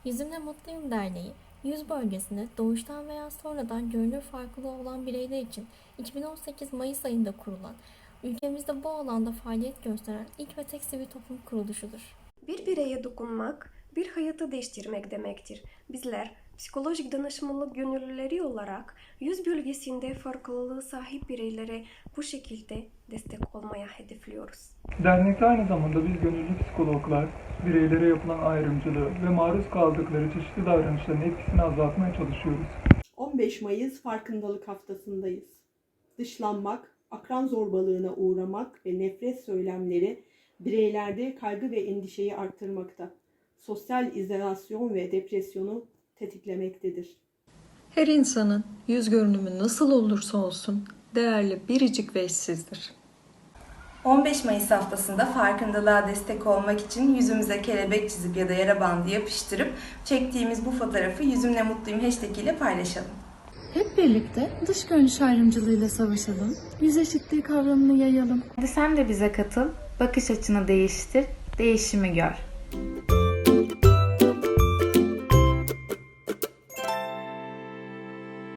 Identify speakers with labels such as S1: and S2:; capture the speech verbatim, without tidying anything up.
S1: Yüzümle Mutluyum Derneği, yüz bölgesinde doğuştan veya sonradan görünür farklılığı olan bireyler için iki bin on sekiz Mayıs ayında kurulan, ülkemizde bu alanda faaliyet gösteren ilk ve tek sivil toplum kuruluşudur.
S2: Bir bireye dokunmak, bir hayatı değiştirmek demektir. Bizler psikolojik danışmanlık gönüllüleri olarak yüz bölgesinde farklılığı sahip bireylere bu şekilde destek olmaya hedefliyoruz.
S3: Dernekte aynı zamanda biz gönüllü psikologlar, bireylere yapılan ayrımcılığı ve maruz kaldıkları çeşitli davranışların etkisini azaltmaya çalışıyoruz.
S4: on beş Mayıs Farkındalık Haftası'ndayız. Dışlanmak, akran zorbalığına uğramak ve nefret söylemleri bireylerde kaygı ve endişeyi arttırmakta. Sosyal izolasyon ve depresyonu tetiklemektedir.
S5: Her insanın yüz görünümü nasıl olursa olsun değerli, biricik ve eşsizdir.
S6: on beş Mayıs haftasında farkındalığa destek olmak için yüzümüze kelebek çizip ya da yara bandı yapıştırıp çektiğimiz bu fotoğrafı Yüzümle Mutluyum hashtag ile paylaşalım.
S7: Hep birlikte dış görünüş ayrımcılığıyla savaşalım, yüz eşitliği kavramını yayalım.
S8: Hadi sen de bize katıl, bakış açını değiştir, değişimi gör.